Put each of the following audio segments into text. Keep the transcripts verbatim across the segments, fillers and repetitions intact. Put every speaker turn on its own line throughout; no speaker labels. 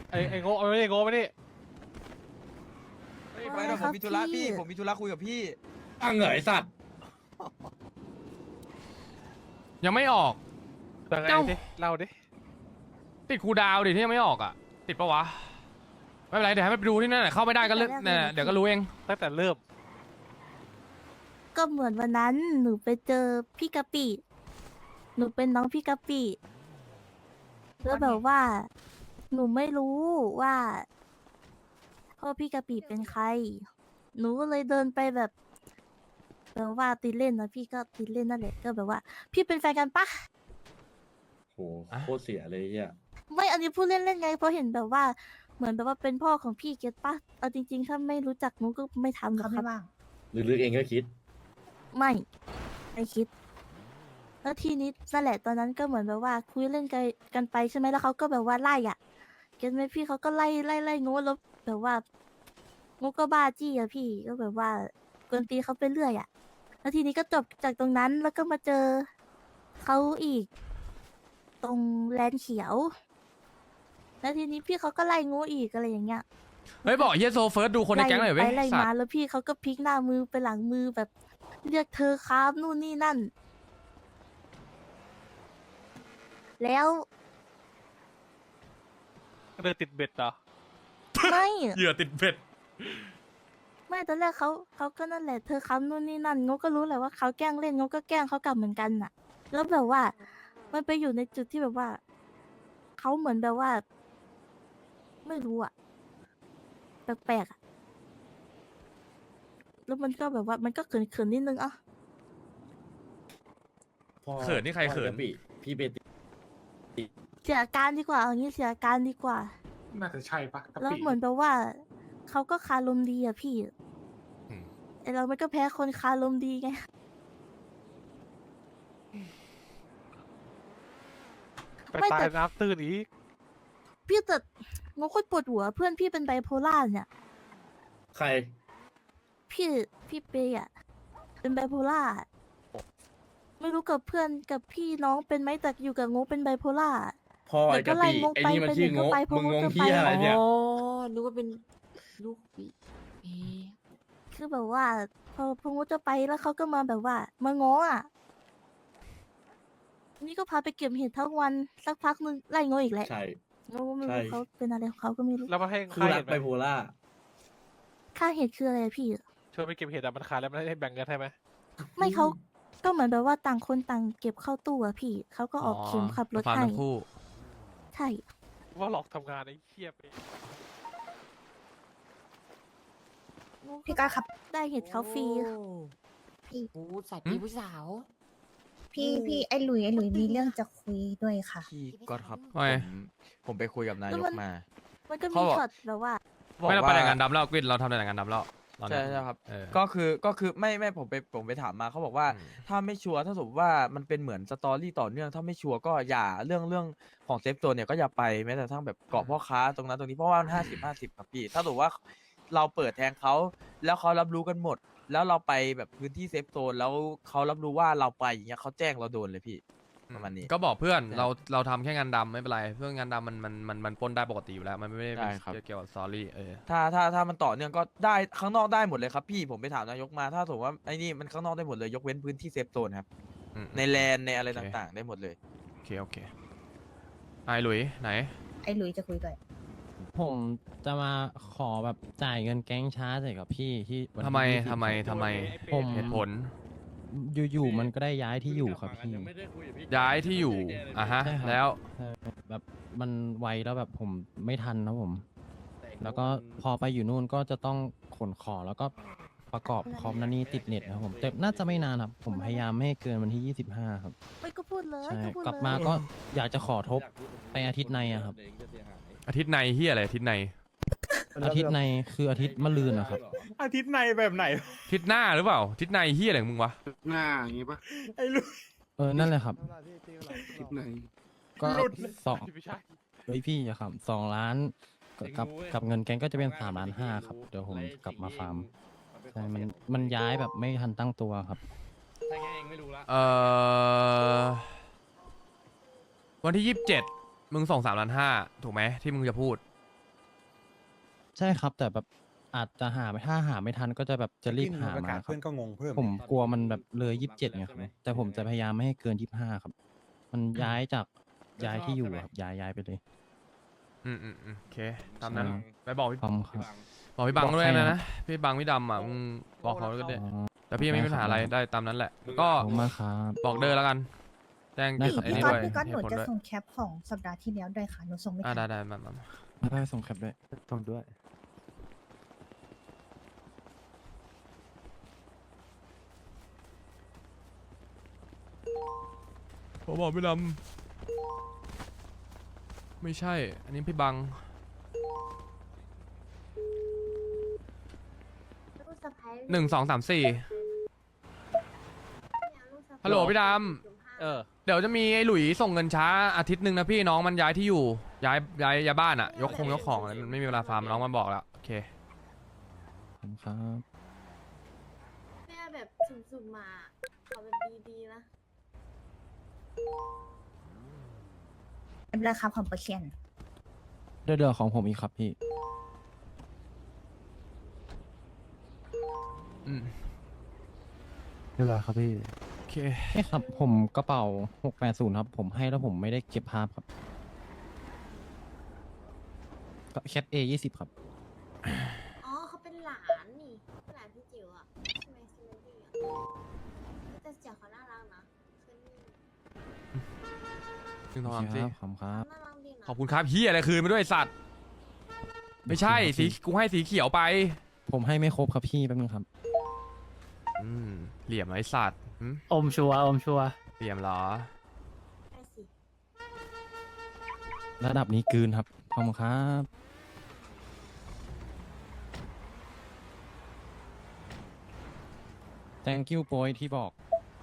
ไอ้ไอ้โง่เอาไม่ได้โง่ไม่ได้
ไปเดี๋ยวผมมีธุระพี่ผมมีธุระคุยกับพี่
ตั้งเหงยสัตว์
ยังไม่ออก
แต่ไง
เจ้า
ดิเล่าดิ
ติดครูดาวดิที่ยังไม่ออกอ่ะติดปะวะไม่เป็นไรเดี๋ยวให้ไปดูที่นั่นแหละเข้าไม่ได้ก็เลือกเนี่ยเดี๋ยวก็รู้เอง
ตั้งแต่เริ่ม
ก็เหมือนวันนั้นหนูไปเจอพี่กะปิหนูเป็นน้องพี่กะปิแล้วแบบว่า หนูไม่รู้ว่าพ่อพี่กะปิเป็นใคร หนูก็เลยเดินไปแบบแบบว่าติดเล่นนะพี่ก็ติดเล่นนั่นแหละก็แบบว่า พี่เป็นแฟนกันปะ
โหโคตรเสียเลยเฮีย
ไม่อันนี้พูดเล่นๆไงเพราะเห็นแบบว่าเหมือนแบบว่าเป็นพ่อของพี่เก็ตปะเอาจริงๆถ้าไม่รู้จักหนูก็ไม่ทำหรอกครับ
ลึกๆเองก็คิด
ไม่ไม่คิด แล้วทีนี้นั่นแหละตอนนั้นก็เหมือนแบบว่าคุยเล่นกันกันไปใช่ไหมแล้วเขาก็แบบว่าไล่อ่ะเก็ตไหมพี่เขาก็ไล่ไล่ไล่งูแล้วแบบว่างูก็บ้าจี้อะพี่ก็แบบว่ากวนตีเขาไปเรื่อยอ่ะ แล้วทีนี้ก็จบจากตรงนั้นแล้วก็มาเจอเขาอีก ตรงแลนด์เขียว แล้วทีนี้พี่เขาก็ไล่งูอีกอะไรอย่างเงี้ย
เฮ้ยบอกเฮียโซเฟิร์สดูคนในแก๊งหน่อยเว้
ไล่
ย
ไล่
สัต
มา
ว์
แล้วพี่เขาก็พลิกหน้ามือไปหลังมือแบบเรียกเธอครับนู่นนี่นั่น แล้ว
เดินติดเบ็ดเหรอ
ไม่
เหยื่อติดเบ็ด
ไม่ตอนแรกเขาเขาก็นั่นแหละเธอครับนู่นนี่นั่นงกก็รู้แหละว่าเขาแกล้งเล่นงกก็แกล้งเขากลับเหมือนกันน่ะ แล้วแบบว่า มันไปอยู่ในจุดที่แบบว่าเขาเหมือนแบบว่า ไม่รู้อะแปลกๆอะแล้วมันก็แบบว่ามันก็เขินๆนิดนึงอ่ะ
พ่อ
เขินนี่ใครเขิน
พ่อกะปิพี่เบติ
เสียอาการดีกว่าเอางี้เสียอาการดีกว่า
น่าจะใช่ปะกะ
แล้ว
ปิ
เหมือนแบบว่าเขาก็คารมดีอะพี่
อืม
ไอเรามันก็แพ้คนคารมดีไง
ไป
ไม่
ตาย
แต่
น้ำตื้นอีก
พี่แต่งงโคตรปวดหัวเพื่อนพี่เป็นไบโพล่าเนี่ย
ใคร
พี่พี่เปย์อะเป็นไบโพล่าไม่รู้กับเพื่อนกับพี่น้องเป็นไหมแต่อยู่กับงงเป็นไบโพล่า
พ่อไอ้กะปิ
เดี๋ยวก็ไล่งง
ไอ้
ไป
นี่มัน
ไป
ชื่อ
หนึ่
ง
ง
ก
ก็ไปพอ
มึงง
ก็
ง
ไป
เฮียอะไรเนี่ย
อ๋อนึกว่าเป็นลูกปีเอ๊ะ
คือแบบว่า พอพงจะไปแล้วเขาก็มาแบบว่า มาง้ออ่ะ นี่ก็พาไปเก็บเห็ดทั้งวันสักพักนึงไล่งออีกแล้ว
ใช่
งงไม่
ใช่
รู้เขาเป็นอะไรของเขาก็ไม่รู้
แล้วมาให้
คู่
ค่า
รั
เห็
ก
ดไห
ไบ
ม
โพล่า
ค่าเห็ดคืออะไรอะพี่
ช่วยไปเก็บเห็ดอะมันขายแล้วมันให้แบ่งกันให้ไหม
ไม่เขาก็เหมือนแบบว่าต่างคนต่างเก็บเข้าตู้อะพี่เขาก็ออกเข็มขับรถ
ฟาร์ม
ให้
ทั้งคู่
ใช่
ว่าหลอกทำงานไอ้เหี้ยไป
พี่ก้าครับได้เห็ดเขาฟรี
พี่โอ้สายปีผู้สาว
พี่พี่ไอ้หลุยไอ้หลุยมีเรื่องจะคุยด้วยค่ะ
พี่ก็ครับ
ว่าไง
ผมผมไปคุยกับนาย
แล้ว
ก
มัน
มา
มันก็
เขา
มี
บอก
ช็อตแบบว่า
ไม่เราไปแต่งงานดำแล้วกวินเราทำแต่งงานดำแล้วตอน
ใช่
นี้
ใช่ครับ
เออ
ก็คือก็คือไม่ไม่ผมไปผมไปถามมาเขาบอกว่า
อืม
ถ้าไม่ชัวร์ถ้าสมมติว่ามันเป็นเหมือนสตอรี่ต่อเนื่องถ้าไม่ชัวร์ก็อย่าเรื่องเรื่องของเซฟโซนเนี่ยก็อย่าไปแม้แต่ทั้งแบบเกาะพ่อค้าตรงนั้นตรงนี้เพราะว่ามันห้าสิบห้าสิบครับพี่ถ้าสมมติว่าเราเปิดแทงเขาแล้วเขารับรู้กันหมด แล้วเราไปแบบพื้นที่เซฟโซนแล้วเขารับรู้ว่าเราไปอย่างเงี้ยเขาแจ้งเราโดนเลยพี่ ประมาณนี้
ก็บอกเพื่อน
ใช่
เราเราทำแค่งานดำไม่เป็นไรเพื่องานดำมันมันมันมันปล้นได้ปกติอยู่แล้ว มันไม่ได้
ได้ครับ
เกี่ยวกับซอรี่เออ
ถ้าถ้าถ้ามันต่อเนื่องก็ได้ข้างนอกได้หมดเลยครับพี่ผมไปถามนายกมาถ้าสมมติว่าไอ้นี่มันข้างนอกได้หมดเลยยกเว้นพื้นที่เซฟโซนครับ
อืม
ในแลนในอะไร
โอเค
ต่างๆ ได้หมดเลย
โอเคโอเคไอ้หลุยไหน
ไอ้หลุยจะคุยด้วย
ผมจะมาขอแบบจ่ายเงินแก๊งช้าใส่กับพี่ที่วันที่
ทำไม
ยี่สิบ
ทำไมทำไม
ผม
เหตุผล
อยู่ๆมันก็ได้ย้ายที่อยู่ครับพี่
ยังไม่ได้คุยกับพี่
ย้ายที่อยู่อ่ะฮะ
ใช่ครับ
แล้ว
ใช่แบบมันไวแล้วแบบผมไม่ทันนะผม แล้วก็พอไปอยู่นู่นก็จะต้องขนของแล้วก็ประกอบคอมนั่นนี่ติดเน็ตนะครับผมแต่น่าจะไม่นานครับ ผมพยายามไม่ให้เกินวันที่ยี่สิบห้าครับ
ไม่ก็พูดเลย
ใช่
ก็พูด
กลับ
เลย
มาก็อยากจะขอทบไปอาทิตย์ในอะครับ
อาทิตย์ในเฮียอะไรอาทิตย์ใน
อาทิตย์ในคืออาทิตย์มะรืนนะครับ
อาทิตย์ในแบบไหน
อาทิตย์หน้าหรือเปล่าอาทิตย์ในเฮียอะไรของมึงวะ
หน้าอย่างงี้ปะไอ้ลูก
เออนั่นแหละครับ
อาทิตย์ไหน
ก็สอง
ไม่ใช่
เฮ้ยพี่อย่าขำสองล้านกับกับเงินแกงก็จะเป็นสามล้านห้าครับ เดี๋ยวผมกลับมาฟาร์มใช่มันมันย้ายแบบไม่ทันตั้งตัวครับ
ถ้าแค่เองไม่รู้ละ
เอ่อวันที่ยี่สิบเจ็ดมึงส่งสามล้านห้าถูกไหมที่มึงจะพูด
ใช่ครับ แต่แบบอาจจะหาไม่ถ้าหาไม่ทันก็จะแบบจะรีบหามาครับ
เพื่อนก็งงเพิ่ม
ผมกลัวมันแบบเลยยี่สิบเจ็ดไงครับแต่ผมจะพยายามไม่ให้เกินยี่สิบห้าครับ มันย้ายจากย้ายที่อยู่ครับย้ายย้ายไปเลย
อืมอืมอืมโอเคตามนั้น
ใช่
ไปบอกพี่
พร้อมครับ
บอกพี่บัง
บอก
ด้วย
ใคร
นะ
นะ
นะพี่บังพี่ดำอ่ะมึงบอกเขาก็ได้
อ๋อ
แต่พี่ไม่มีปัญหาอะไรได้ตามนั้นแหละ ก็
ขอบคุณมากครับ
บอกเดอร์แล้วกัน แจ้ง
ได้
จุด
ครับ
ไอ้
พี่
นี่
ก๊อต
ด้วย
พี่ก๊อตห
เห
นู
ตุผล
จะ
ด้วย
ส่งแคปของสัปดาห์ที่แล้วด้วยค่ะหนูส่งไม่
อ่า
ทั
ได้
น
ได้มามามา
ไม่ได้ส่งแคปด้วย
ต้องด้วย
ผมบอกพี่ดำไม่ใช่ อันนี้พี่บัง หนึ่งสองสามสี่ฮัลโหลพี่ด
เออ
ำเดี๋ยวจะมีไอ้หลุยส่งเงินช้าอาทิตย์หนึ่งนะพี่น้องมันย้ายที่อยู่ ย้ายย้ายย้ายบ้านอะยกคงยกของอะไรมันไม่มีเวลาฟาร์มน้องมันบอกแล้ว โอเค
ขอบคุณครับ
แม่แบบสุ่มๆมาขอแบบดีๆนะ
ไม่เป็นไรครับของเปอร์เซ็นต์
เดือดของผมอีกครับพี่
อืม
เรียบร้อยครับพี่
โอเค
ใช่ครับ ผมกระเป๋าหกแปดศูนย์ครับ ผมให้แล้วผมไม่ได้เก็บภาพครับก็แคปเอยี่สิบครับ
อ๋อเขาเป็นหลานนี่หลานพี่จิ๋วอ่ะใช่ไหมซีเมนตี้อ่ะแต่เสียงเขาน่ารักนะคือนี่
หนึ่งสอง
โอ
สาม
เค
สี่
ครับขอบคุณครับ
น่ารักดีนะ
ขอบคุณครับเฮียอะไรคืนไปด้วยไอ้สัตว์ ไม่ใช่สีกูให้สีเขียวไป
ผมให้ไม่ครบครับพี่แป๊บนึงครับ
อืมเหลี่ยมไอ้สัตว์หืม
อมชัวอมชัว
เหลี่ยมเหรอ
ใช่สิ
ระดับนี้กลืนครับขอบคุณครับ thank you โปรยที่บอก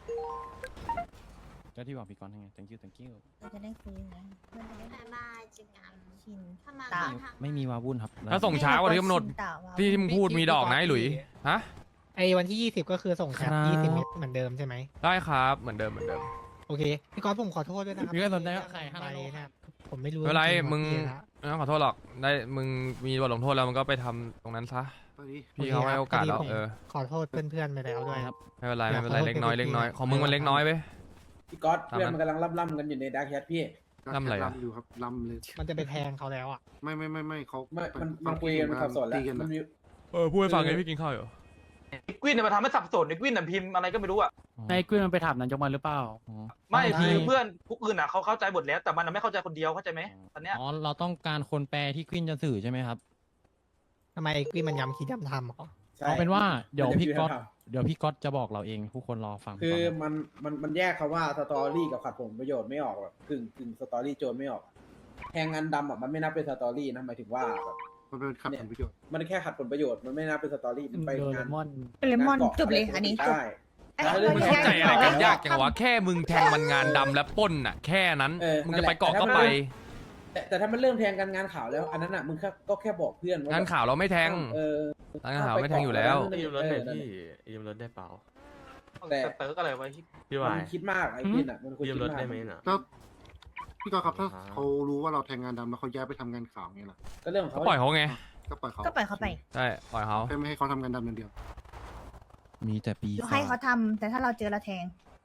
ก็ที่บอกพี่กอนให้ไง thank you thank you
เราจะได้คุยไงเพื่อนจะได้
บ๊ายบายเจอกัน
ชิน
ถ้ามา
ตา
ก็ทัก
ไม่มีวาวุ่นครับ
ถ้าส่งช้ากว่าที่กำหนด
ชิตาว่า
ที่ที่มึงพูดมีดอกนะไอ้หลุย ฮะ
ไอ้วันที่ยี่สิบก็คือส่งแคป
ครับ
ยี่สิบเมตรเหมือนเดิมใช่ไหม
ได้ครับ เหมือนเดิมเหมือนเดิม
โอเค พี่ก๊อตผมขอโทษด้วยนะครับ
พี่ก็สนใจว่าใคร
ไป
ห้าร้อยโล
นะครับผมไม่รู้
ไม่เป็นไร
จๆ
มึง
ว่าพี่นะ
ไม่ต้องขอโทษหรอก ได้ มึงมีบทลงโทษแล้วมึงก็ไปทำตรงนั้นซะ พี่เขาให้โอกาสแล้ว
พดีผม
เออ
ขอโทษเพื่อนๆไปแล้วด้วย
ครับ
ไม่เป็นไร
อยาก
ไม่เป็นไร
ขอโทษ
เล็กน้อย
ไป
เล็กน้อย
ที
ของมึงมันเล็กน้อยไป
พี่ก๊อต
ตาม
เพื่อน
นั้น
มันกำลังล่ำๆกันอยู่ในดาร์กแคทพี่
ล่ำอะไรอะ
ล่ำอยู่ครับล่ำเลย
มันจะไปแทงเขาแล้วอ่ะ
ไม่ไม่ไม่ไม่เขา
ไม่มันมันคุยกันมันสับสนแล้ว
ตีกัน
มัน
อะ
มี
เออพูดให้ฟังไงพี่กินข้าวอยู่
กวินเนี่ยมาทำให้สับสนไอ้กวินน่ะพิมพ์อะไรก็ไม่รู้อ่ะ
นายกุ้ยมันไปถามนายกมันหรือเปล่า
อ๋อ
ไม่
ไม่
คือเพื่อนพวกอื่นอ่ะเขาเข้าใจหมดแล้วแต่มันน่ะไม่เข้าใจคนเดียวเข้าใจไหมตอนเนี้ย
อ๋อเราต้องการคนแปลที่ควินจะสื่อใช่ไหมครับ
ทำไมไอ้กุ้ยมันย้ำคิดย้ำทำเหรอ
ใช่
เอาเป็นว่าเดี๋ยว
มันจะ
พี่
มี
ก๊อต
คำถาม
เดี๋ยวพี่ก๊อตจะบอกเราเองทุกคนรอฟัง
คือ
ก่นนะ
มันมันมันแยกคำว่าสตอรี่กับขัดผลประโยชน์ไม่ออกแบบกึ่งกึ่งสตอรี่โจรไม่ออกแทงงานดำอ่ะมันไม่นับเป็นสตอรี่นะหมายถึงว่าแบบ
มันเป็นขัดผลประโยชน์
มันแค่ขัดผลประโยชน์มันไม่นับเป็นสตอรี่มันไป
โด
งาน
เรมอน
เลมอน
งากาะ
จบเลยอันนี้จบ
ได้
ไอ้
แล้ว
เรื่
เรื่
อ
อง ง
เข้าใจอะไรกันยากจังวะ
ทำ
แค่มึงแทงมันงานดำและปล้นน่ะ แค่นั้น
เออ
มึง
นั่
จะ
นแห
ไป
ละ
เกาะ
แต่
ก็
ถ้ามัน
ไป
แต่แต่ถ้ามันเริ่มแทงกันงานข่าวแล้ว อันนั้นอ่ะมึงแค่ก็แค่บอกเพื่อนว่
งานข่าวเราไม่แทง
เออ
งานข่าวไม่แทงอยู่แล้ว
ยืมรถหน่อยพี่
ยืมรถได้เปล่า
แต่
เติร์กอะไรไว้ที่
พี่วายมันคิดมากไอ้พี่น่ะมันควรคิดมาก
แล้วพี่ก๊อตครับถ้าเขารู้ว่าเราแทงงานดำแล้วเขาย้ายไปทำงานข่าวเงี้ยล่ะ
ก็เรื่องของ
ก็
เขา
ปล่อยเขาไง
ก็ปล่อยเขา
ก็ปล่อยเขาไป
ใช่ ปล่อยเขา
แค่ไม่ให้เขาทำงานดำอย่างเดียว
มีแต่ปี
ให้เขาทำแต่ถ้าเราเจอเราแทง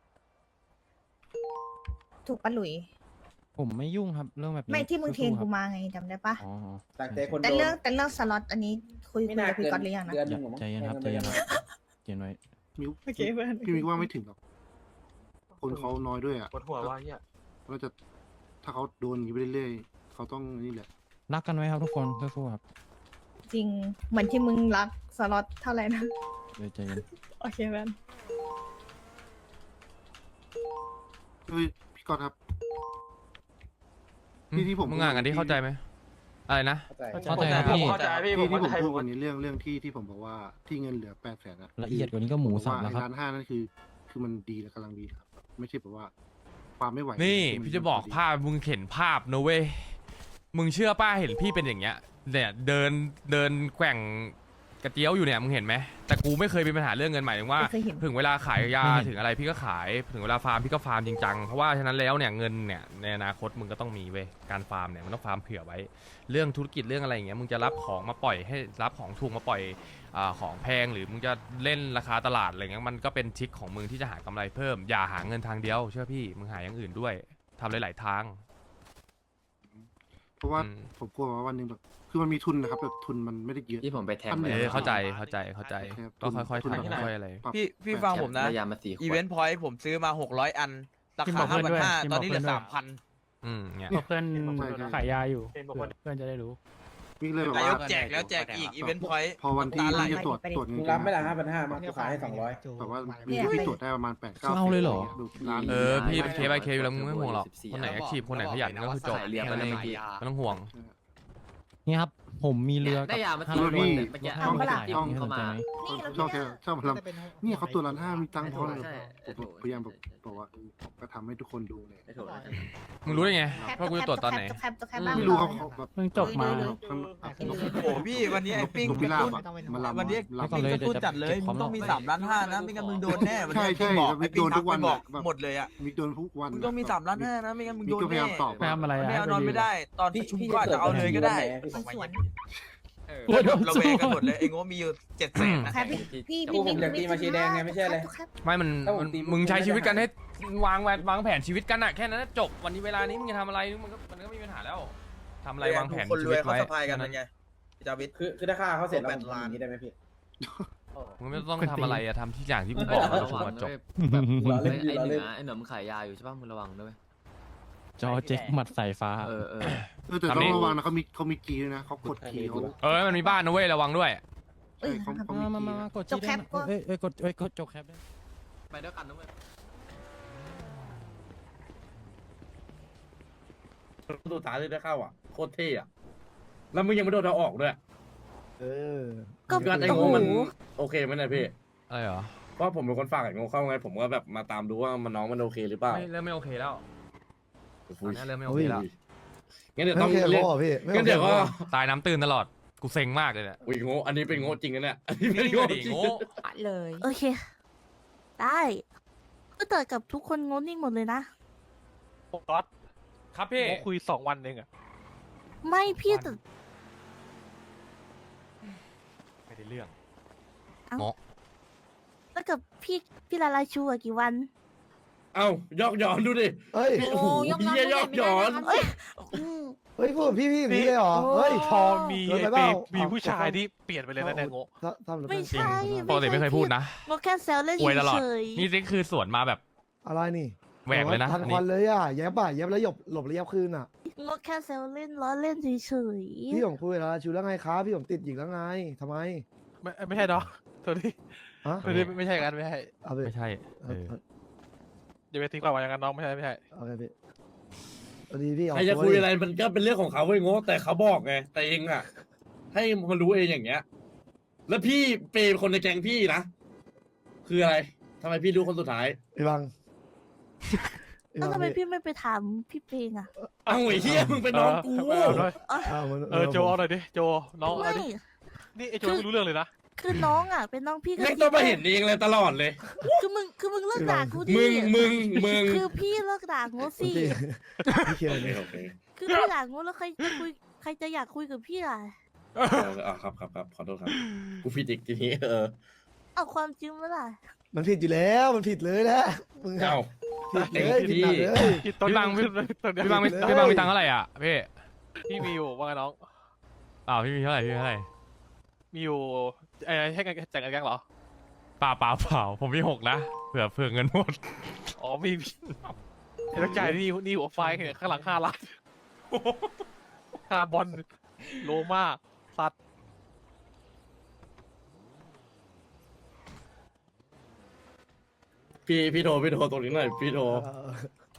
ถูกปะหลุย
ผมไม่ยุ่งครับเรื่องแบบนี้
ไม่ที่มึงเทรน
สู้ๆค
กู
รับ
มาไงจำได้ปะ
อ๋อ
ต่างใจคน
แต่
โดน
เรื่องแต่เรื่องสล็อตอันนี้คุย
ไม่
คุย
น่า
กับพี่
เกิน
ก๊อตหรือยังนะ
เดือนหนึงหรอมั้ง
ใจเย็นครับใจ
แทง
เย็น
กั
ครับเย็นไว้
มิว
โอเคเพื่อน
พี่มิวว่าไม่ถึงหรอกคนเขาน้อยด้วยอ่ะ
ปวดหัวว่าเฮีย
เราจะถ้าเขาโดนอย่างนี้ไปเรื่อยๆเขาต้องนี่แหละ
รักกันไว้ครับทุกคนสู้ๆครับ
จริงเหมือนที่มึงรักสล็อตเท่าไหร่นะ
เดี๋ยวใจเย็น
โอเคเพื่อน
เฮ้ยพี่ก๊อตครับ ที่ที่ผม
มึงอ่านกันที่เข้าใจไหมอะไรนะ
เข้าใจ
เข้าใจครับพี่
เข้าใจพี่
ที่
ผม
ที่ผม
เข้าใจ
พูดวันนี้เรื่องเรื่องที่ที่ผมบอกว่าที่เงินเหลือแปดแสนอะ
ละเอียดกว่านี้ก็หมูสับ
ผม
แล้ว
ว่า
ครับ
ไอ้ล้านห้านั่นคือ คือมันดีและกำลังดีครับ ไม่ใช่แบบว่า ความไม่ไหว
นี่
ที่มัน
พี่จะบอก
พอดี
ภาพมึงเห็นภาพนะเว้ย มึงเชื่อป้าเห็นพี่เป็นอย่างเงี้ย เนี่ยเดินเดินแกว่งกระเจียวอยู่เนี่ยมึงเห็นไหมแต่กูไม่เคยมีปัญหาเรื่องเงินหมายถึงว่า
ไม่เคยเห็น
ถึงเวลาขายยา
ไม่เห็น
ถึงอะไรพี่ก็ขายถึงเวลาฟาร์มพี่ก็ฟาร์มจริงจังเพราะว่าฉะนั้นแล้วเนี่ยเงินเนี่ยในอนาคตมึงก็ต้องมีเว้ยการฟาร์มเนี่ยมันต้องฟาร์มเผื่อไว้ เรื่องธุรกิจเรื่องอะไรอย่างเงี้ยมึงจะรับของมาปล่อยให้รับของถูกมาปล่อยอ่าของแพงหรือมึงจะเล่นราคาตลาดอะไรเงี้ยมันก็เป็นทริคของมึงที่จะหากำไรเพิ่มอย่าหาเงินทางเดียวเชื่อพี่มึงหาอย่างอื่นด้วยทำหลายๆทาง
เพราะว่า
อืม
ผมกลัวว่าวันหนึ่งแบบคือมันมีทุนนะครับแบบทุนมันไม่ได้เยอะ
ที่ผมไปแทง
อัน
ไป
ไหน
เออเข้าใจเข้าใจเข้าใจ
ครับ
ก็ค่อยๆ
ทุน
ทำค่อยๆอะไร
ปรับ
พี่พี่ฟังผมนะ
ได้ยามาสี่ขวด
อีเวนต์พอยต์ผมซื้อมาหกร้อยอัน รา
กิน
คา
บอก
ห้า
เพื่อนด้วย
พันห้า
กิน
ต
บ
อ
อน ก
นี้
เพื่
เหลื
อน
อ
ด้วย
สามพัน
อืมเนี่ย
เพื่อนขายยาอยู่
เป็นบางคน
เพื่อนจะได้รู้
วิ่งเลยแบบ
นาย
ว่าก
แจกแล้วแจกอีกอีเวนต์พอยต์
พอวันที่
ตาไหล
ที่จะตรวจตรวจเงิ
มึ
น
งรับไม่ละห้าพันห้ามากูขายให้สองร้อย
แบบว่ามีที่ตรวจได้ประมาณแปดเก้า
เอาเลยเหรอ
ดูร้าน
เออพี่เคส by เคสอยู่แล้วมึงไม่ห่วงหรอกคนไหนแอคทีฟคนไหนขยันก็คือจบ
สายเรียบ
แค่นั้นเอง
เมื่อกี้
ไม่ต้องห่วง
นี่ครับ ผมมีเรือ
ได้ยามา
ห้
สี่
ร้อย
ขวด
พี่
เนี่ยเมื่อกี้
เอาปะล่ะ
ที่ผมเข้ามา
นี่เรา
ชอบแค่ชอบมาล
จะเป็น
ำเนี่ยเขาตัวร้านห้ามีตังค์พอเลย
ใช่
ผมพยายามแบบบอกว่าเออผมก็ทำให้ทุกคนดูเลย
ไม่ถูกแล้ว
มึงรู้ได้ไง
แคป
ว่ากูจะตรวจตอนไหน
แคปแคปแคปบ้าง
ไม่รู้เขาเขาแบบ
เพิ่งจบมา
เลย
เขา
โอ้โหพี่วันนี้ไอ้ปิ้ง
นก
ก
พิ
ระ
ราบ
ตุ้น
อะมาลำ
วันนี้
ลำ
ปิ้งกระตุ้นจัดเลยมึงต้องมีสามล้านห้านะไม่งั้นมึงโดนแน่วันนี้
ใช่ใช่
ปิ้งบอก
แล้ว
ไอ้ปิ้ง
โดนทุ
ทัก
ก
ไป
วัน
บอก
แบบ
หมดเลยอ่ะ
มิกโดนทุกวัน
มึงต้องมีสามล้านห้านะไม่งั้นมึง
มิ
โด
ก
น
ก็พยา
แน่
ยามตอบ
ไปทำอะไรอะ
ไม่เอานอนไม่ได้ ตอนประชุมก็อาจจะเอาเลยก็ได้
มันสวน
ก็แบบระแวงกันหมดเลยไอ้โง่มีอยู่เจ็ดแสนนะ
แคปพี่
กูผมอยากตีมาชีแดงไงไม่ใช่อะไร
แคป
ไม่มัน
ถ้าผม
มัน
ตี
มึงใช้
ไม่ได้
ชีวิตกันให้วางแผนวางแผนชีวิตกันอะแค่นั้นนะจบวันนี้เวลานี้มึงจะทำอะไรมันก็มันก็ไม่มีปัญหาแล้วทำอะไรวางแผน
คนร
ชี
ว
วิ
ย
ต
เขา
ไว้
สะพายกันนั่นไงพี่จาวิท
คือคือถ้าฆ่าเขาเสร็จแล้ว
แป
ผ
ด
ม
ล้าน
ทำอย่างนี้ได้ไหมพี่
มึงไม่ต้องทำอะไรอะทำที่อย่างที่กูบอกแล้วจบมาจบ
แบบ
ล้อเล่น
ไอ้
ล้อ
เห
เล่
นื
น
อไอ้เหนือมึงขายยาอยู่ใช่ป่ะมึงระวังด้วย
จอเจ็กหมัดสายฟ้า
เออเออ
เออแต่ต้องระวังนะเขามีเขามีกีด้วยนะเขากดกีเขา
เออมันมีบ้านนะเว้ยระวังด้วย
เอ้ย
เขาเขา
มา
มี
มา
กี
มามากด
จบแคปก็
เอ้ยเอ้ยกดเอ้ยกดจบแคปด้วย
ไปด้วยกันนะเว้ย
สุดท้ายเลยได้เข้าอ่ะโคตรเท่อะแล้วมึงยังไม่โดนเอาออกด้วย
เออ
ก็
การไอ้
โอ้
โง่
โห
มันโอเคไหมเนี่ยพี่
อะไรเหรอ
เพราะผมเป็นคนฝากไอ้โง่เข้าไงผมก็แบบมาตามดูว่ามันน้องมันโอเคหรือเปล่า
ไม่เริ่มไม่โอเคแล้วต
อุ้
อน
ย
นี้เริ่มไม่โอเคแล้ว
งั้นเดี๋ยวต้องเรียกงั้นเดี๋ยวก็
ตายน้ำตื่นตลอดกูเซ็งมากเลยเนี่ย
อุ้ยโง่อันนี้เป็นโง่จริงนะเนี่ยอันนี้เป็น
นี่
โง่
ดิ
จริง
โง่
เลย
โอเค ได้ก็เติดกับทุกคนงดนิ่งหมดเลยนะ
ก๊อต
ครับพี่
เขาคุยสองวันเองอะ
ไม่พี่แต่
ไม่ได้เรื่อง
แล้วกับพี่พี่ลาลาชูอะกี่วัน
เอ้ายอกย้อนดูดิ
เฮ้ย
โอ้โหเหี้ยยอกย้อน
เอ้ย
เฮ้ยพูดพี่พี่นี่เลยเหรอ เฮ้ย
พอมี
เกิน
ไอ้
ไปเป
เป
ล่า
มีผู้ชายที่เปลี่ยนไปเลยนะเนี่ยโง่
ทำหรือ
ไม่
เปล่า
ใช่
ปกติไม่เคยพูดนะ
งดแค่แซวเล่น
อวยตลอด
เฉย
นี่นี่คือสวนมาแบบ
อะไรนี่
แหวกเลยนะ
ทัน
อัน
ควัน
นี้
เลยอ่ะแยบอ่ะแยบแล้วหยบหลบแล้วแยบคืนอ่ะ
ๆงดแค่แซวเล่นล้อเล่นเฉย
พี่ผมคุยแล้วชูแล้วไงครับพี่ผมติดหญิงแล้วไงทำไม
ไม่ไม่ใช่เนาะตัวนี้
ฮะ
ตัวนี้ไม่ใช่กันไม่ใช่
เอาไป
ไม่ใช่
เอ
เอ
อ
อ
เออ
อย่าไปตีความว่าอย่างนั้นน้องไม่ใช่ไม่ใช่
เอาไปพี่พอดีพี่เอา
ใครจะคุยอะไรมันก็เป็นเรื่องของเขาเว้ยโง่แต่เขาบอกไงแต่เองอ่ะ ให้มันรู้เองอย่างเงี้ย แล้วพี่เปย์คนในแก๊งพี่นะ คืออะไรทำไมพี่รู้คนสุดท้าย
ไอ้บัง
ๆแล้วทำไมพี่ไม่ไปถามพี่เพลงอะ
เอ้าไอ้เหี้ยมึงเป็นน้องกู
เออเอาด้วย
อ้าวมัน
เออโจเอาหน่อยดิโจน้องเอา
ไม่
ดินี่ไอโจไม่รู้เรื่องเลยนะ
คือน้องอะเป็นน้องพี่กับ
แม่ง
พี่
ต้องมาเห็นเองเลยตลอดเลย
คือมึงคือมึงเลิกด่ากูดิ
มึงมึงมึง
คือพี่เลิกด่างูสิ
พี่เคลีย
โอ
ร์
เค
เลย
โอเค
คือพี่ด่างูแล้วใครจะคุยใครจะอยากคุยกับพี่ล่ะ
อ่าครับครับครับขอโทษครับ กูผิดอีกทีนี้เออ
เอาความจริงมาล่ะ
มันผิดอยู่แล้วมันผิดเลยนะมึงอะ
เอ้า
ผิดเลยผิดหนักเลย
คิดตอน
พี่บังพี่
ตอนเนี้ย
พี่บังมีพี่บังมีตังค์เท่าไหร่อ่ะพี่
พี่มีอยู่ว่าไงน้อง
อ้าวพี่มีเท่าไหร่พี่มีเท่าไหร่
มีอยู่ไอ้ให้กันแจกกันแกงเหรอ
เปล่าเปล่าเปล่าผมมีหกนะเผื่อเผื่อเงินหมด
อ๋อมีเห็นต้องจ่ายนี่นี่หัวไฟเนี่ยข้างหลังห้าล้านค่าบอลโลมาสัตว์
พี่พี่โทรพี่โทรตรงนี้หน่อยพี่โทร
เออ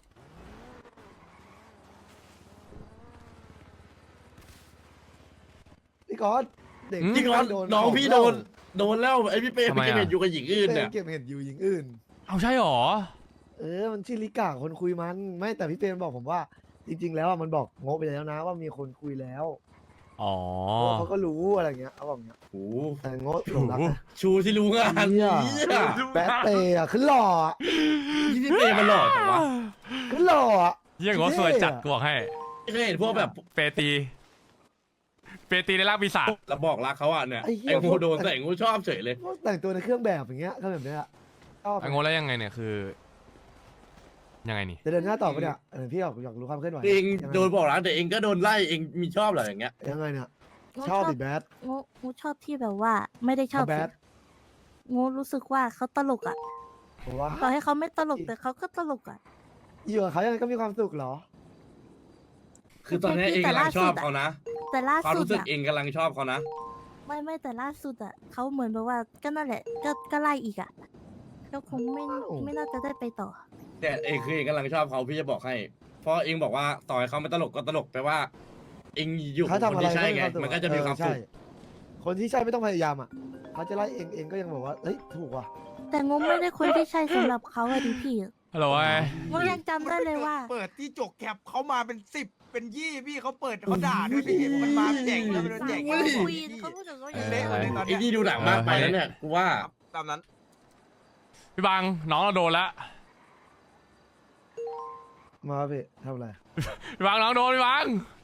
พี่ก๊อตเด็ก
จริงเหรอ
โด
น้องพี่โดนโดนแล้วไอพี่เป้
ทำ
ไป
ไม
เก็บ
อะ
เห็ดอยู่กับหญิงอื่น
เป้
เนี่ย
เก็บเห็ดอยู่หญิงอื่น
เอาใช่หรอ
เออ มันชื่อลิกาคนคุยมัน ไม่แต่พี่เปรมบอกผมว่า จริง ๆ แล้วอะมันบอกโง่ไปแล้วนะว่ามีคนคุยแล้ว
อ๋อ
เขาก็รู้อะไรเงี้ยเขาบอกเงี้ย
โอ้
แต่โง่หลงรักนะ
ชูที่รู้งาน
เหี้
นี้
ย แบดเปย์อะขึ้นหล่ออะ
ยี่พี่เปย์มันหล่อจังวะ
ขึ้นหล่ออะ
เยี่ยงว่าสวยจัดกูบอกให้
ไม่เคยเห็นพวกแบบ
เปตี เปตีในร่างปีศาจ
แล้วบอกรักเขาอ่ะเนี่ย
ไอ้เหี้ย
ไอ้โง่โดนแต่ไอ้โง่ชอบเฉยเลย
พวกแต่งตัวในเครื่องแบบอย่างเงี้ยก็แบบเนี้ยชอบ
ไอ้โง่แล้วยังไงเนี่ยคือ ยังไงนี่
จะเดินหน้าต่อปะเนี่ยเออพี่อยากอยากรู้ความเคลื่อนไหว
เอง
ยังไง
โดนบอกรักแต่เองก็โดนไล่เองมีชอบเหรออย่างเงี้ย
ยังไงเนี่ย
โง่
ชอบดิแบด
โง่โง่ชอบที่แบบว่า ไม่ได้ชอบ
เขาแบด
โง่รู้สึกว่าเขาตลกอ่ะ
ผมว่า
ต่อให้เขาไม่ตลกแต่เขาก็ตลกอ่ะ
อยู่กับเขายังไงก็มีความสุขเหรอ
คือตอนนี้เองกำลังชอบเขานะ
แต่ล่า
ความ
สุด
รู้สึก
อ่ะ
เองกำลังชอบเขานะ
ไม่ไม่แต่ล่าสุดอ่ะเขาเหมือนแบบว่าก็นั่นแหละ ก็ก็ไล่อีกอ่ะก็คงไม่
อ้าว
ไม่น่าจะได้ไปต่อ
แต่เองคือเองกำลังชอบเขาพี่จะบอกให้ เพราะเองบอกว่าต่อให้เขาไม่ตลกก็ตลกแปลว่า เองอยู่กับ
เขา
ค
ทำ
น
อะไร
ที่ใช่ไง
ก็
มันก็จะมีความ
เออ
สุ
ใช่
ข
คนที่ใช่ไม่ต้องพยายามอ่ะเขาจะไล่เองเองก็ยังบอกว่าเฮ้ยถูกว่ะ
แต่งงไม่ได้คนที่ใช่สำหรับเขาอะดิพี่
ฮัลโหลไอ้
งงยังจำได้เลยว่า
เปิดที่จกแคปเขามาเป็นสิบเป็นยี่พี่เขาเปิดเขาด่าด้วยพี่มันมาแจกแล้วมันโดนแจก
อุ้ย
คุยเขาพูดถึงเขาอย่าง
เละหมดเลยตอน
ไอ้
เนี้ย
นี่ดูหนังมากไปแล้วเนี่ยกูว่า
ตามนั้น
พี่บังน้องเราโดนละ
มาพี่ทำอะไร
พี่บังน้องโดนพี่บัง